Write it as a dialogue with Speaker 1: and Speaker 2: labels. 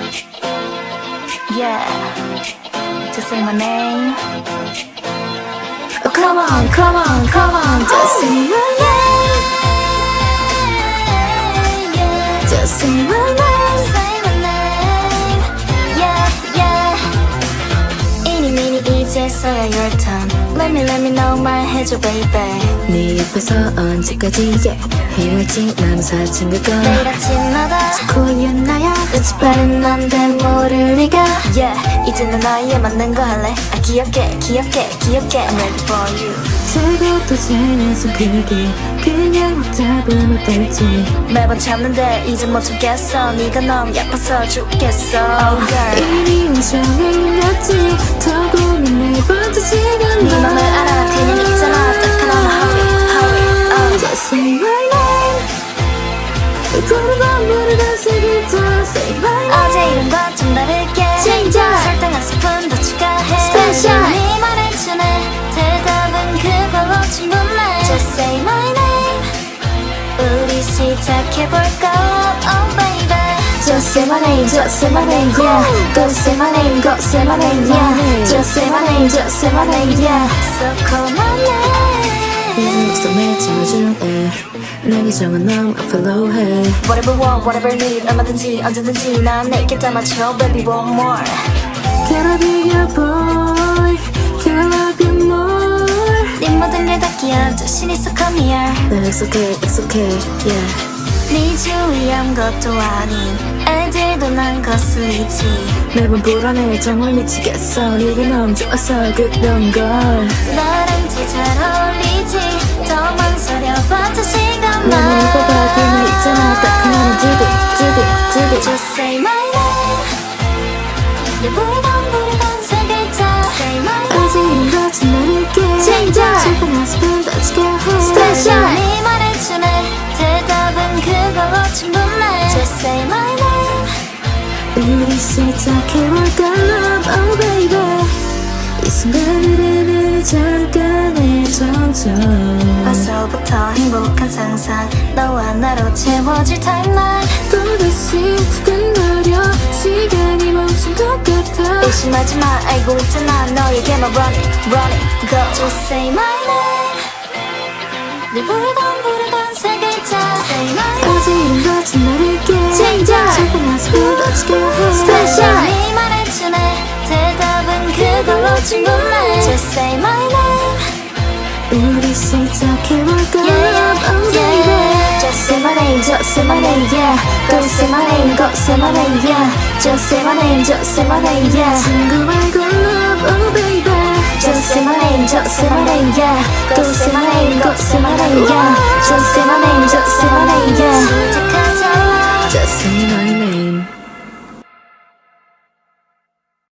Speaker 1: Yeah, just say my name. Oh, come on, come on, come on, just say my name. Yeah, just say my name. Say my name. Yeah, yeah. 이니 미니 이제서야 your turn. Let me know 말해줘 baby.
Speaker 2: 네 옆에서 언제까지 헤어지 남 사진 그거
Speaker 1: 매일 아침마다 자꾸연 나야 눈치 빠른 넌데 모를 리가. Yeah, 이제는 나에 맞는 거 할래. 아 귀엽게 귀엽게 귀엽게 I'm ready for you.
Speaker 2: 저것도 생에서 그게 그냥 확 잡으면 될지
Speaker 1: 매번 참는데 이제 못 참겠어. 네가 너무 예뻐서 죽겠어. Oh girl,
Speaker 2: 이미 우정을 났지 더 고민해봐도 시간
Speaker 1: 네 맘을 알아. 그냥 있잖아 딱 하나만 hurry.
Speaker 2: Just say my name 부르던 세 글자 Say my name
Speaker 1: 어제 이름과 좀 다르게
Speaker 2: Change up.
Speaker 1: 설탕 한 스푼 더 추가해.
Speaker 2: Special.
Speaker 1: 네 말에 주네 대답은 그걸로 충분해. Just say my name. 우리 시작해볼까. Oh baby.
Speaker 2: Just say my name, just say my name, yeah. Go say my name, go say my name, yeah. Just say my name, just say my name, yeah.
Speaker 1: So call my name.
Speaker 2: 요즘 목숨에 채워줄래 내 기정은 너무 필요해
Speaker 1: Whatever want, whatever need, 얼마든지 언제든지 난 내게 담아줘 baby one more.
Speaker 2: Can I be your boy? Can I love you more?
Speaker 1: 네 모든 게 다 끼어 자신 있어 come here.
Speaker 2: It's okay, it's okay, yeah.
Speaker 1: 네 주위 아무것도 아닌 애들도 난 거슬리지.
Speaker 2: 매번 불안해 정말 미치겠어 네가 너무 좋아서 그런 걸
Speaker 1: 나랑 제일 잘 어울리지. 더 망설여봐도 시간만.
Speaker 2: 나는 뽑아 그냥 있잖아 딱 하나는 두고
Speaker 1: Just say my name. 내 부르던 세 글자 Say my name.
Speaker 2: 아직 이런 것은 나를게
Speaker 1: Change up.
Speaker 2: 슬픈 한 스푼 더 추가해
Speaker 1: Special. 네 말에 주네 대답은 그걸로 충분해. Just say my name.
Speaker 2: 우리 시작해볼까 love oh baby 이 순간을 늦지 않을까 내 점점
Speaker 1: 벌써부터 행복한 상상 너와 나로 채워질 타임라인.
Speaker 2: 또다시 두근거려 시간이 멈춘 것 같아
Speaker 1: 의심하지 마 알고 있잖아 너에게만 run it go. Just say my name. 네 부르던 세 글자 Say my name.
Speaker 2: 아직 이런 것은 나를게
Speaker 1: Change up.
Speaker 2: 슬픈 한 스푼 더 추가해
Speaker 1: Special. 네 말에 주네 대답은 그걸로 충분해. Just say my name.
Speaker 2: 우리 시작해볼까
Speaker 1: Yeah,
Speaker 2: oh baby
Speaker 1: yeah.
Speaker 2: Just say my name, just say my name, yeah. Go say my name, go say my name, yeah. Just say my name, just say my name, yeah. 친구 말고 love, oh baby. Just say my name, just say my name, yeah. Go say my name, go say my name, yeah. Just say my name, just say my name, yeah.